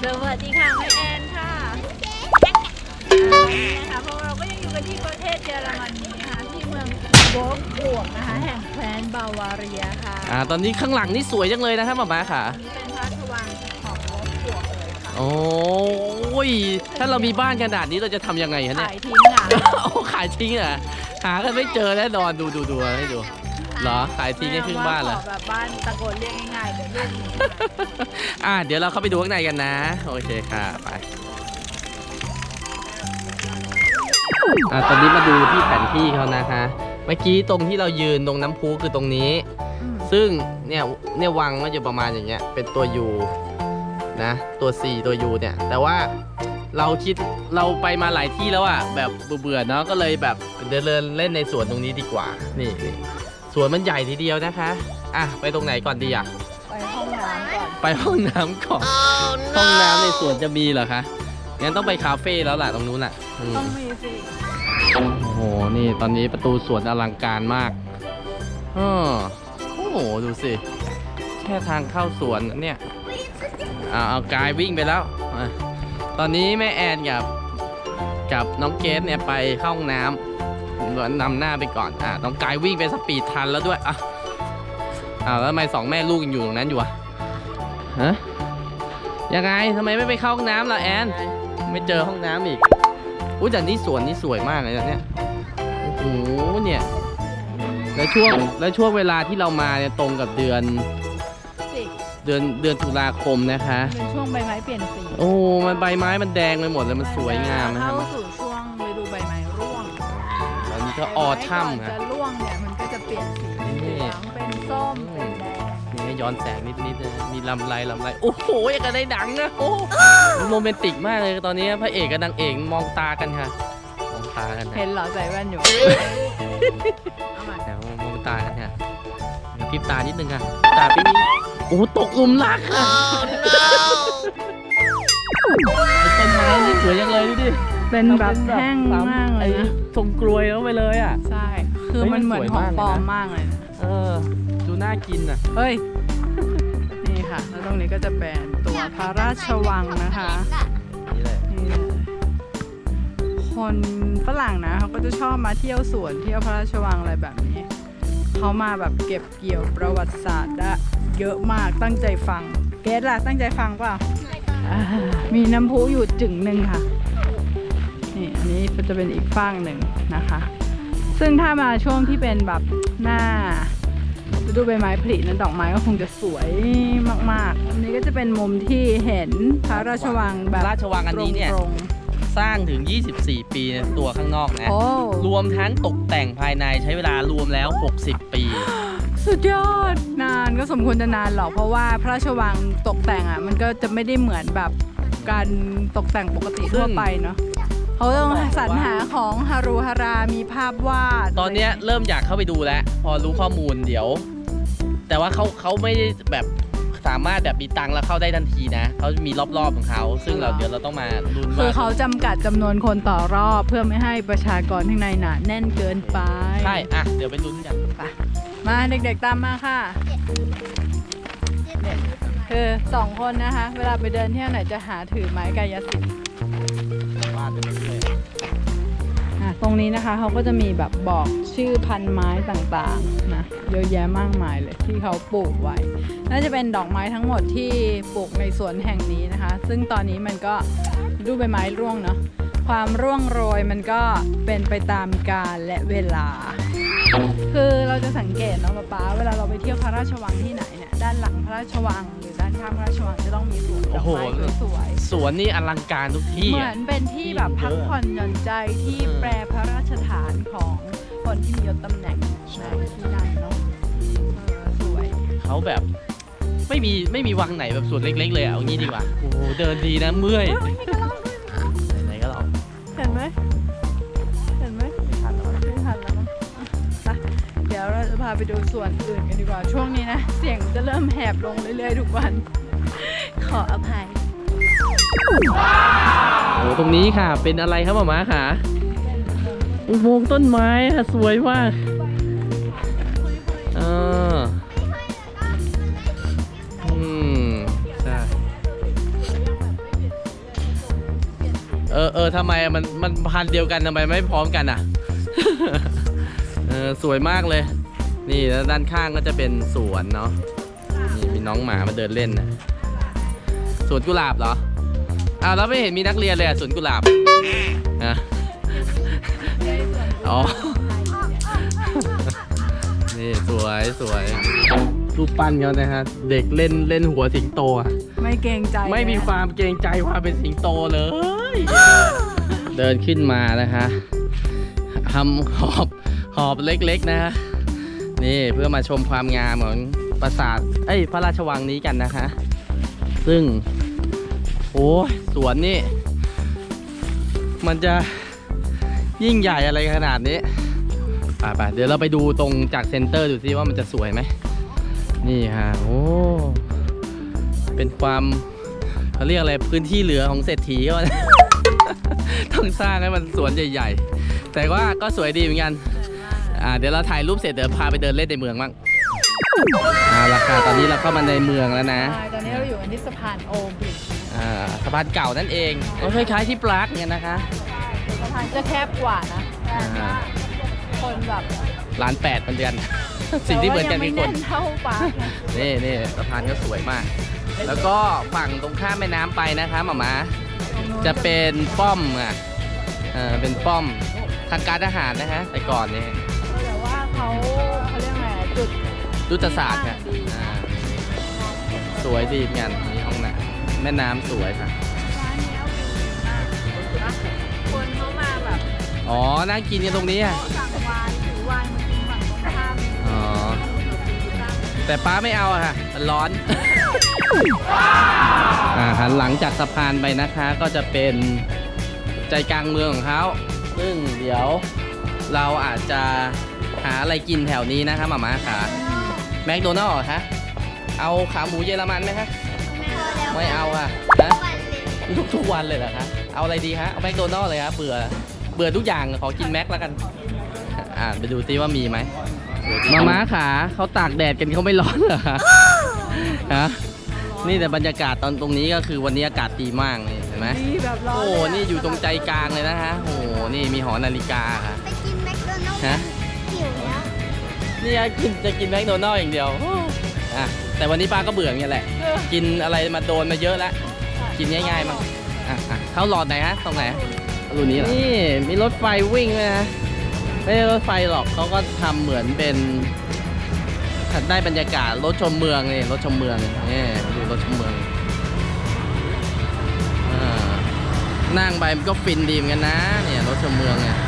วัสดีค่ะแม่แอนค่ะนะคะพวกเราก็ยังอยู่กันที่ประเทศเยอรมนีนะคะที่เมืองโวล์ฟบวกนะคะแห่งแคว้นบาวาเรียค่ะตอนนี้ข้างหลังนี่สวยจังเลยนะครับหม่าค่ะนี่เป็นพระราชวังของโวล์ฟบวกเลยค่ะโอ้ยถ้าเรามีบ้านขนาดนี้เราจะทำยังไงฮะเนี่ยขายทิ้งอ่ะโอ้ขายทิ้งอ่ะหากันไม่เจอแน่นอนดูให้ดูเหรอขายทิ้งให้ครึ่งบ้านเหรอแบบบ้านตะโกนเรียกง่ายๆเดี๋ยวเรียกเดี๋ยวเราเข้าไปดูข้างในกันนะโอเคค่ะไปตอนนี้มาดูที่แผนที่เขานะคะเมื่อกี้ตรงที่เรายืนตรงน้ำพุคือตรงนี้ซึ่งเนี่ยวังก็อยู่ประมาณอย่างเงี้ยเป็นตัว U นะตัว C ตัว U เนี่ยแต่ว่าเราไปมาหลายที่แล้วอ่ะแบบเบื่อเนาะก็เลยแบบเดินเล่นในสวนตรงนี้ดีกว่านี่สวนมันใหญ่ทีเดียวนะคะไปตรงไหนก่อนดีไปห้องน้ำก่อนไปห้องน้ำก่อน ห้องน้ำในสวนจะมีเหรอคะงั้นต้องไปคาเฟ่แล้วล่ะตรงนู้นอ่ะต้องมีสิโอ้โหนี่ตอนนี้ประตูสวนอลังการมากโอ้โหดูสิแค่ทางเข้าสวนเนี่ยเอากายวิ่งไปแล้วตอนนี้แม่แอนกับน้องเกสเนี่ยไปเข้าห้องน้ำนำหน้าไปก่อนน้องกายวิ่งไปสปีดทันแล้วด้วยแล้วทำไม2แม่ลูกยังอยู่ตรงนั้นอยู่ยังไงทำไมไม่ไปเข้าห้องน้ำล่ะแอนไม่เจอห้องน้ำอีกแต่นี่สวนนี่สวยมากเลยเนี่ยโอ้โหเนี่ยแล้วช่วงเวลาที่เรามาเนี่ยตรงกับเดือนตุลาคมนะคะเป็นช่วงใบไม้เปลี่ยนสีโอ้มันใบไม้มันแดงไปหมดเลยมันสวยงามนะครับเข้าสู่ช่วงฤดูใบไม้ร่วงตอนนี้ก็ออทัมจะร่วงเนี่ยมันก็จะเปลี่ยนสีเป็นเหลืองเป็นส้มเป็นแดงนี่ย้อนแสงนิดนะมีลำไรโอ้โหอย่างกับในหนังนะโอ้โรแมนติกมากเลยตอนนี้พระเอกกับนางเอกมองตากันค่ะมองตากันเห็นเหรอใส่แว่นอยู่แต่มองตากันค่ะพริบตานิดนึงค่ะตาพี่โอ้ตกหลุมรักค่ะต้นไม้นี่สวยยังเลยดูดิเป็นแบบแห้งมากเลยนะทรงกลวยแล้วไปเลยอ่ะใช่คือมันเหมือนของปลอมมากเลยดูน่ากินอ่ะเฮ้ยนี่ค่ะแล้วตรงนี้ก็จะเป็นตัวพระราชวังนะคะนี่เลยคนฝรั่งนะเขาก็จะชอบมาเที่ยวสวนเที่ยวพระราชวังอะไรแบบนี้เขามาแบบเก็บเกี่ยวประวัติศาสตร์ได้เยอะมากตั้งใจฟังเกสล่ะตั้งใจฟังเปล่ามีน้ำพุอยู่จึงหนึ่งค่ะนี่อันนี้จะเป็นอีกฝั่งหนึ่งนะคะซึ่งถ้ามาช่วงที่เป็นแบบหน้าฤดูใบไม้ผลินั้นดอกไม้ก็คงจะสวยมากๆอันนี้ก็จะเป็นมุมที่เห็นพระราชวังแบบราชวังอันนี้เนี่ยสร้างถึง24ปีในตัวข้างนอกนะรวมทั้งตกแต่งภายในใช้เวลารวมแล้ว60ปีสุดยอดนานก็สมควรจะนานหรอกเพราะว่าพระราชวังตกแต่งมันก็จะไม่ได้เหมือนแบบการตกแต่งปกติทั่วไปเนาะเขาต้องสรรหาของฮารุฮารามีภาพวาดตอนนี้เริ่มอยากเข้าไปดูแล้วพอรู้ข้อมูลเดี๋ยวแต่ว่าเขาไม่ได้แบบสามารถแบบมีตังค์แล้วเข้าได้ทันทีนะเขามีรอบๆของเขาซึ่งเดี๋ยวเราต้องมาลุ้นว่าคือเขาจำกัดจำนวนคนต่อรอบเพื่อไม่ให้ประชากรข้างในหนาแน่นเกินไปใช่เดี๋ยวไปลุ้นกันไปมาเด็กๆตามมาค่ะคือ2คนนะคะเวลาไปเดินเที่ยวไหนจะหาถือไม้กายสิทธิ์วาดไปเรื่อยตรงนี้นะคะเขาก็จะมีแบบบอกชื่อพันธุ์ไม้ต่างๆนะเยอะแยะมากมายเลยที่เขาปลูกไว้น่าจะเป็นดอกไม้ทั้งหมดที่ปลูกในสวนแห่งนี้นะคะซึ่งตอนนี้มันก็ดูใบไม้ร่วงเนาะความร่วงโรยมันก็เป็นไปตามกาลและเวลาคือเราจะสังเกตเนาะป๊าเวลาเราไปเที่ยวพระราชวังที่ไหนเนี่ยด้านหลังพระราชวังหรือด้านข้างพระราชวังจะต้องมีสวนดอกไม้สวยๆสวนนี่อลังการทุกที่เหมือนเป็นที่แบบพักผ่อนหย่อนใจที่แปรพระราชฐานของคนที่มียศตำแหน่งในที่นั่นเนาะสวยเขาแบบไม่มีวังไหนแบบสวนเล็กๆเลยเอางี้ดีกว่าโอ้เดินดีนะเมื่อยไหนก็ลองเห็นไหมไม่ทันแล้วเดี๋ยวเราจะพาไปดูส่วนอื่นกันดีกว่าช่วงนี้นะเสียงจะเริ่มแหบลงเรื่อยๆทุกวันขออภัยโอ้ตรงนี้ค่ะเป็นอะไรครับหม่าค่ะอุโมงค์ต้นไม้ค่ะสวยมากใช่ทำไมมันพันธุ์เดียวกันทำไมไม่พร้อมกันอ่ะ สวยมากเลย นี่แล้วด้านข้างก็จะเป็นสวนเนาะนี่มีน้องหมามาเดินเล่นนะสวนกุหลาบเหรออ้าวแล้วไม่เห็นมีนักเรียนเลยสวนกุหลาบนะอ๋อ นี่สวยรูปปั้นเขานะฮะเด็กเล่นหัวสิงโตอะไม่เกรงใจไม่มีความเกรงใจความเป็นสิงโตเลย เดินขึ้นมานะคะทำหอบเล็กๆนะฮะนี่เพื่อมาชมความงามของปราสาทพระราชวังนี้กันนะคะซึ่งโอ้สวนนี่มันจะยิ่งใหญ่อะไรขนาดนี้ไปเดี๋ยวเราไปดูตรงจากเซ็นเตอร์ดูซิว่ามันจะสวยไหมนี่ฮะโอ้เป็นความเขาเรียกอะไรพื้นที่เหลือของเศรษฐีก็ ต้องสร้างให้มันสวนใหญ่ๆแต่ว่าก็สวยดีเหมือนกันเดี๋ยวเราถ่ายรูปเสร็จเดี๋ยวพาไปเดินเล่นในเมืองบ้างราคาตอนนี้เราเข้ามาในเมืองแล้วนะตอนนี้เราอยู่ที่สะพานโอมบิดสะพานเก่านั่นเองก็คล้ายๆที่ปรากเนี่ยนะคะสะพานจะแคบกว่านะคนแบบ 1,800,000เหมือนกัน สิ่งที่เหมือนกันคือคนเท่าปากนี่สะพานก็สวยมากแล้วก็ฝั่งตรงข้ามแม่น้ำไปนะคะหม่าจะเป็นป้อมเป็นป้อมทางการทหารนะฮะแต่ก่อนนี่แต่ว่าเขาเรียกไงยุทธศาสตร์ค่ะสวยดีงานมีห้องน้ำแม่น้ำสวยค่ะคนเขามาแบบนั่งกินกันตรงนี้อ่ะสั่งวายถือวายมากินฝั่งตรงข้ามแต่ป้าไม่เอาอะค่ะมันร้อน หันหลังจากสะพานไปนะคะก็จะเป็นใจกลางเมืองของเขาซึ่งเดี๋ยวเราอาจจะหาอะไรกินแถวนี้นะคะหม่าค่ะแมคโดนัลด์คะเอาขาหมูเยอรมันไหมคะไม่เอาค่ะนะทุกวันเลยเหรอคะเอาอะไรดีคะเอาแมคโดนัลด์เลยครับเบื่อทุกอย่างขอกินแม็กแล้วกันไปดูซิว่ามีไหมม่าขาเขาตากแดดกันเขาไม่ร้อนเหรอคะฮะนี่แต่บรรยากาศตรงนี้ก็คือวันนี้อากาศดีมากเลยเห็นไหมแบบร้อนโอ้นี่อยู่ตรงใจกลางเลยนะฮะโอ้นี่มีหอนาฬิกาค่ะไปกินแมคโดนัลด์ฮะหิวแล้วนี่จะกินแมคโดนัลด์อย่างเดียวแต่วันนี้ป้าก็เบื่ออย่างเงี้ยแหละกินอะไรมาโดนมาเยอะแล้วกินง่ายๆมั้งเข้าหลอดไหนฮะตรงไหนรูนี้เหรอนี่มีรถไฟวิ่งเลยนะไม่ใช่รถไฟหรอกเขาก็ทำเหมือนเป็นได้บรรยากาศรถชมเมืองนี่รถชมเมืองนี่ดูรถชมเมืองนั่งไปมันก็ฟินดีเหมือนกันนะเนี่ยรถชมเมืองเนี่ย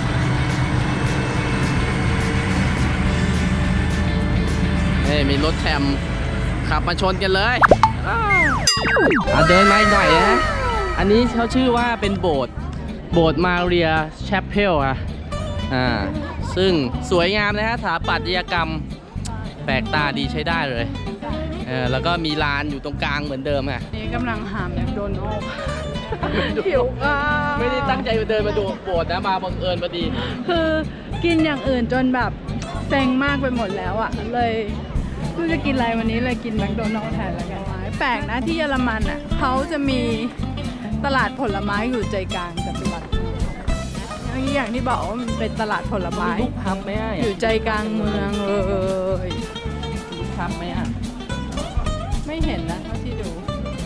นี่มีรถแทรมขับมาชนกันเลยเดินมาอีกหน่อยนะอันนี้เขาชื่อว่าเป็นโบสถ์มาเรียแชปเพลซึ่งสวยงามนะฮะสถาปัตยกรรมแปลกตาดีใช้ได้เลยแล้วก็มีร้านอยู่ตรงกลางเหมือนเดิมค่ะนี่กำลังหาแมคโดนัลด์หิวอ่ะไม่ได้ตั้งใจไปเดินมาดูโบสถ์นะมาบังเอิญพอดีคือกินอย่างอื่นจนแบบเซ็งมากไปหมดแล้วอ่ะเลยไม่รู้จะกินอะไรวันนี้เลยกินแมคโดนัลด์แทนแล้วกันแปลกนะที่เยอรมันอ่ะเขาจะมีตลาดผลไม้อยู่ใจกลางแต่เป็นหลักอย่างที่บอกว่ามันเป็นตลาดผลไม้ลูกพับไหมอยู่ใจกลางเมืองเลยลูกพับไหมไม่เห็นนะเท่าที่ดู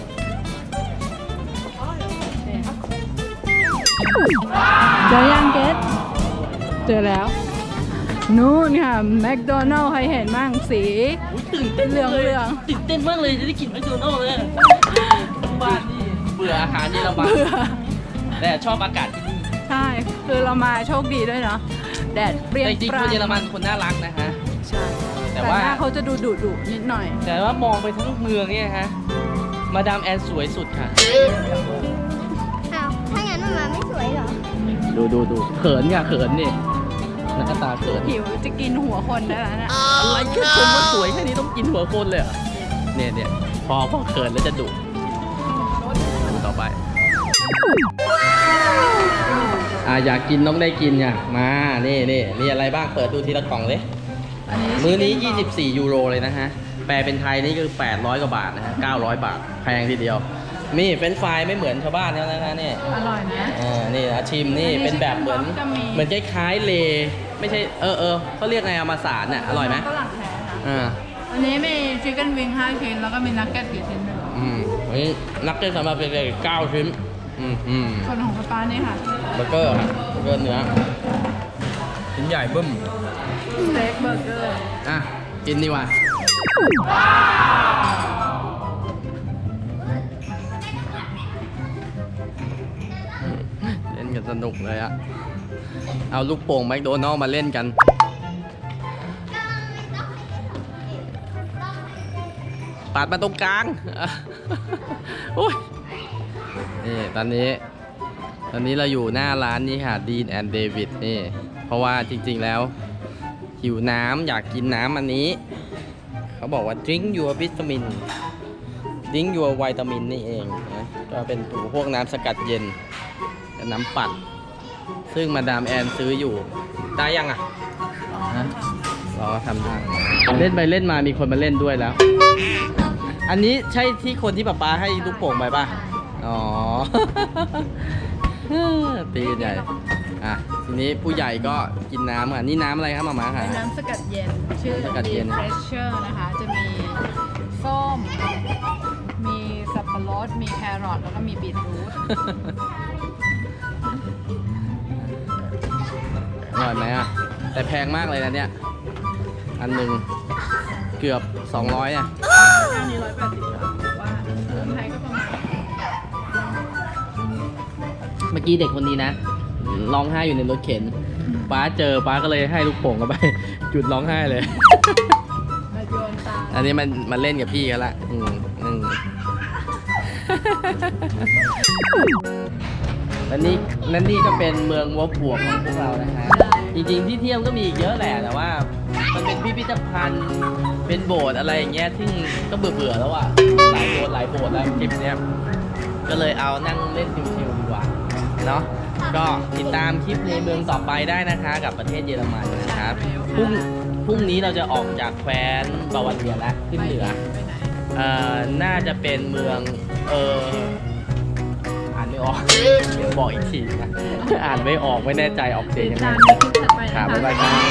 เจอยังเกตเจอแล้วนู่นค่ะแมคโดนัลด์ใครเห็นบ้างสีตื่นเต้นเรื่องตื่นเต้นมากเลยจะได้กินแมคโดนัลด์เลยบ้านนี่เบื่ออาหารเยอรมันแต่ชอบอากาศที่นี่ใช่คือเรามาโชคดีด้วยเนาะแดดเปรี้ยงจริงๆคนเยอรมันคนน่ารักนะฮะใช่แต่ว่าเขาจะดุนิดหน่อยแต่ว่ามองไปทั้งเมืองเนี่ยฮะมาดามแอนสวยสุดค่ะถ้างั้นมาไม่สวยเหรอดูเขินค่ะเขินนี่หน้าตาเขินหิวจะกินหัวคนได้แล้วนะอะไรแค่ชมว่าสวยแค่นี้ต้องกินหัวคนเลยเหรอเนี่ยพอเขินแล้วจะดุต่อไปอยากกินต้องได้กินเนี่ยมานี่มีอะไรบ้างเปิดดูทีละกล่องเลยมื้อนี้24 ยูโรเลยนะฮะแปลเป็นไทยนี่คือ800 กว่าบาทนะฮะ900 บาทแพงทีเดียวนี่เฟรนช์ฟรายไม่เหมือนชาวบ้านเขานะคะนี่อร่อยนะนี่อาชิมนี่เป็นแบบเหมือนก็มีเหมือนคล้ายๆเลไม่ใช่เขาเรียกไงเอามาสารน่ะอร่อยไหมฝรั่งแท้นะอ่าอันนี้มีชิคเก้นวิง5 ชิ้นแล้วก็มีนักเก็ตกี่ชิ้นด้วยอันนี้นักเก็ตสำหรับเด็กๆ9 ชิ้นส่วนของป้านี่ค่ะเบอร์เกอร์ครับเบอร์เกอร์เนื้อชิ้นใหญ่บึ้มสเต็กเบอร์เกอร์อ่ะกินดีกว่าเล่นกันสนุกเลยอะเอาลูกโป่งแมคโดนัลด์มาเล่นกันปัดมาตรงกลางโอ้ยนี่ตอนนี้เราอยู่หน้าร้านนี้ค่ะดีนแอนด์เดวิดนี่เพราะว่าจริงๆแล้วหิวน้ำอยากกินน้ำอันนี้เขาบอกว่า drink your vitamin drink your vitamin นี่เองนะก็เป็นพวกน้ำสกัดเย็นกับน้ำปั่นซึ่งมาดามแอนซื้ออยู่ได้ยังอ่ะฮะเราก็ทำได้เล่นไปเล่นมามีคนมาเล่นด้วยแล้ว อันนี้ใช่ที่คนที่ป๊าให้ลูกโป่งไปป่ะอ๋อ ตีกันใหญ่อ่ะทีนี้ผู้ใหญ่ก็กินน้ำค่ะนี่น้ำอะไรครับมาค่ะเป็นน้ำสกัดเย็น ชื่อสกัดเย็น Deep Fresher นะคะ จะมีส้ม มีสับปะรด มีแครอท แล้วก็มีบีทรูทอร่อยไหมอ่ะแต่แพงมากเลยนะเนี่ยอันหนึ่งเกือบ200อ่ะแค่นี้180 บาทว่าเมืองไทยก็ประมาณเมื่อกี้เด็กคนนี้นะร้องไห้อยู่ในรถเข็นป้าเจอป้าก็เลยให้ลูกโป่งกันไป จุดร้องไห้เลยมาโยนตามอันนี้มันเล่นกับพี่กันละและนี่ก็เป็นเมืองวัวบวกของพวกเรานะฮะจริงๆที่เที่ยวก็มีอีกเยอะแหละแต่ว่ามันเป็นพิพิธภัณฑ์เป็นโบสถ์อะไรอย่างเงี้ยซึ่งก็เบื่อแล้วอ่ะหลายโบสถ์แล้วคลิปเนี้ยก็เลยเอานั่งเล่นชิวๆดีกว่าเนาะก็ติดตามคลิปในเมืองต่อไปได้นะคะกับประเทศเยอรมันนะครับพรุ่งนี้เราจะออกจากแคว้นบาวาเรียแล้วขึ้นเหนือไปไหนน่าจะเป็นเมืองอ่านไม่ออก บอกอีกทีนะ อ่านไม่ออกไม่แน่ใจออกเสียงติดยังไงตามในคลิปถัดไปค่ะนะบ๊ายบายคคะรับ